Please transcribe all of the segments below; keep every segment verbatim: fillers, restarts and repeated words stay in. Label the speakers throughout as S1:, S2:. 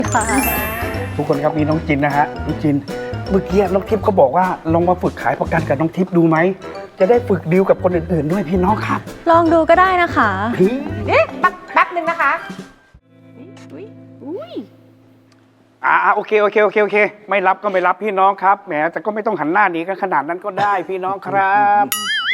S1: ค่ะทุกคนครับมีน้องจินนะฮะน้องจินเมื่อกี้น้องทิพย์เขาบอกว่าลองมาฝึกขายประกันกับน้องทิพย์ดูไหมจะได้ฝึกดีลกับคนอื่นๆด้วยพี่น้องครับ
S2: ลองดูก็ได้นะคะ
S3: เอ๊ะแป๊บแป๊บหนึ่งนะคะอุ้ยอุ้ย
S1: อ่าโอเคโอเคโอเคโอเคไม่รับก็ไม่รับพี่น้องครับแหมแต่ก็ไม่ต้องหันหน้าหนีกันขนาดนั้นก็ได้พี่น้องครับ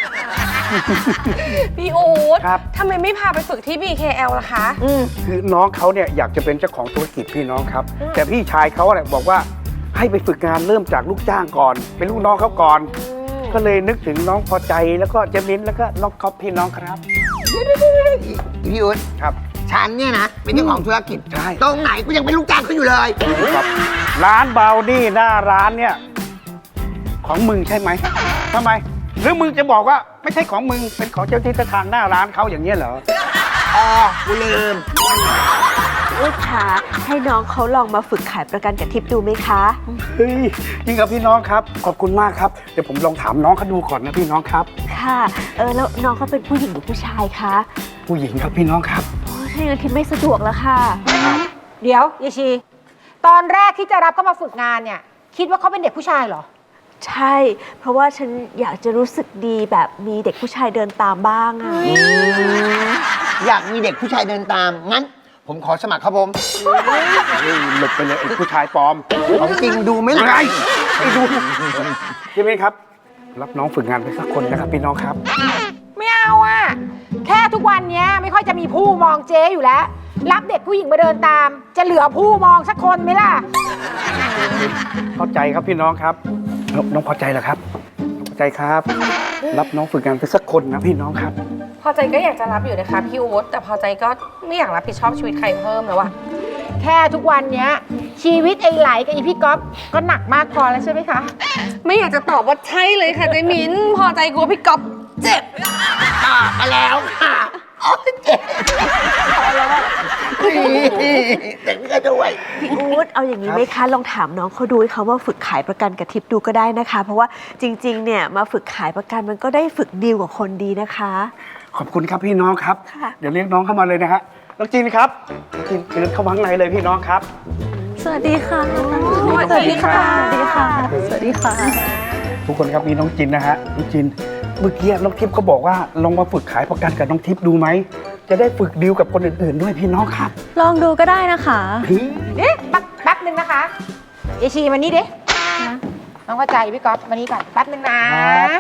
S3: พี่อู๊ด
S1: ครับ
S3: ทำไมไม่พาไปฝึกที่ บี เค แอล ล่ะคะ
S1: คือน้องเขาเนี่ยอยากจะเป็นเจ้าของธุรกิจพี่น้องครับแต่พี่ชายเขาเนี่ยบอกว่าให้ไปฝึกงานเริ่มจากลูกจ้างก่อนเป็นลูกน้องเขาก่อนก็เลยนึกถึงน้องพอใจแล้วก็เจมินแล้วก็น้องก๊อฟพี่น้องครับ
S4: พี่ยุทธ
S1: ครับ
S4: ฉันเนี่ยนะเป็นเจ้าของธุรกิจ
S1: ใช่
S4: ตรงไหนกูยังเป็นลูกจ้างเขาอยู่เลย
S1: ครับร้านเบานี่หน้าร้านเนี่ยของมึงใช่ไหมทำไมหรือมึงจะบอกว่าไม่ใช่ของมึงเป็นของเจ้าที่เจ้าทางหน้าร้านเขาอย่างเงี้ยเหรอ
S4: อ๋อกูลืม
S2: ลูกค้าให้น้องเขาลองมาฝึกขายประกันกับทิพย์ดูไหมคะ
S1: เฮ้ยจริงครับพี่น้องครับขอบคุณมากครับเดี๋ยวผมลองถามน้องเขาดูก่อนนะพี่น้องครับ
S2: ค่ะเออแล้วน้องเขาเป็นผู้หญิงหรือผู้ชายคะ
S1: ผู้หญิงครับพี่น้องครับ
S2: โอ้ถ้าอย่างนั้นทิพย์ไม่สะดวกแล้วค่ะ
S3: เดี๋ยวยายชีตอนแรกที่จะรับเขามาฝึกงานเนี่ยคิดว่าเขาเป็นเด็กผู้ชายเหรอ
S2: ใช่เพราะว่าฉันอยากจะรู้สึกดีแบบมีเด็กผู้ชายเดินตามบ้างอะ
S4: อยากมีเด็กผู้ชายเดินตามงั้นผมขอสมัครครับผม
S1: หลบไปเลยไอ้ผู้ชายปลอม
S4: ของจริงดูไม่ไร
S1: ไม่ดูใช่ไหมครับรับน้องฝึกงานไปสักคนนะครับพี่น้องครับ
S3: ไม่เอาอะแค่ทุกวันนี้ไม่ค่อยจะมีผู้มองเจ๊อยู่แล้วรับเด็กผู้หญิงมาเดินตามจะเหลือผู้มองสักคนไหมล่ะ
S1: เข้าใจครับพี่น้องครับน้องพอใจเหรอครับพอใจครับรับน้องฝึกงานไปสักคนนะพี่น้องครับ
S3: พอใจก็อยากจะรับอยู่นะคะพี่อู๊ดแต่พอใจก็ไม่อยากรับผิดชอบชีวิตใครเพิ่มแล้วอะแค่ทุกวันนี้ชีวิตไอ้ไหลกับไอ้พี่ก๊อฟก็หนักมากพอแล้วใช่ไหมคะไม่อยากจะตอบว่าใช่เลยค่ะเจมินพอใจกลัวพี่ก๊อฟเจ็บ
S4: อ่ามาแล้วค่ะอ๋อเจ็บพอแล้วแต่ไม่ได้ด้วย
S2: พี่อู๊ดเอาอย่างนี้ไหมคะลองถามน้องเขาดูให้เขาว่าฝึกขายประกันกับทิพย์ดูก็ได้นะคะเพราะว่าจริงๆเนี่ยมาฝึกขายประกันมันก็ได้ฝึกดีลกับคนดีนะคะ
S1: ขอบคุณครับพี่น้องครับเดี๋ยวเรียกน้องเข้ามาเลยนะฮะน้องจีนครับจีนเชิญเข้ามาข้างในเลยพี่น้องครับ
S2: สวัสดีค่ะสวัสดีค่ะสวัสดีค่ะสวัสดีค่ะ
S1: ทุกคนครับมีน้องจินนะฮะน้องจินเมื่อกี้น้องทิพย์เขาบอกว่าลองมาฝึกขายประกันกับน้องทิพย์ดูไหมจะได้ฝึกดีลกับคนอื่นๆด้วยพี่น้องครับ
S2: ลองดูก็ได้นะคะ
S3: เอ๊ะแป๊บแป๊บหนึ่งนะคะเอชีมานี่ดิน้องเข้าใจพี่ก๊อฟมานี่ก่อนแป๊บหนึ่งนะ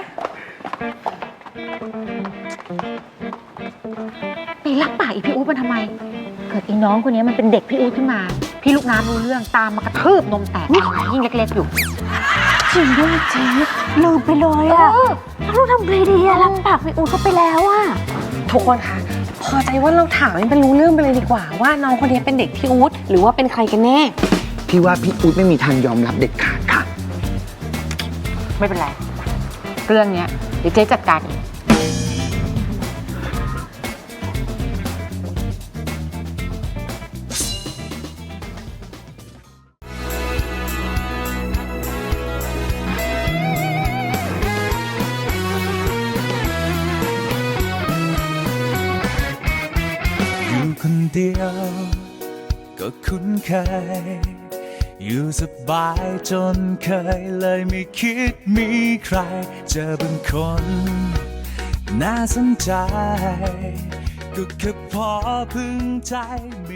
S3: ไปรับปากอีพี่อู๊ดมันทำไมเกิดไอ้น้องคนนี้มันเป็นเด็กพี่อู๊ดขึ้นมาพี่ลูกน้ำรู้เรื่องตามมากระทืบนมแตกยิ่งเล็กๆอยู่
S2: จริงด้วยเจ๊ลืมไปเลยอะเราทำไงดีอะรับปากพี่อู๊ดเขาไปแล้วอะ
S3: ทุกคนคะพอใจว่าเราถามให้มันรู้เรื่องไปเลยดีกว่าว่าน้องคนนี้เป็นเด็กพี่อู๊ดหรือว่าเป็นใครกันแน่
S4: พี่ว่าพี่อู๊ดไม่มีทางยอมรับเด็ดขาดค่ะ
S3: ไม่เป็นไรเรื่องนี้เดี๋ยวเจ๊จัดการเอง
S5: คนเดียวก็คุ้นเคยอยู่สบายจนเคยเลยไม่คิดมีใครเจอบางคนน่าสนใจก็แค่พอพึงใจ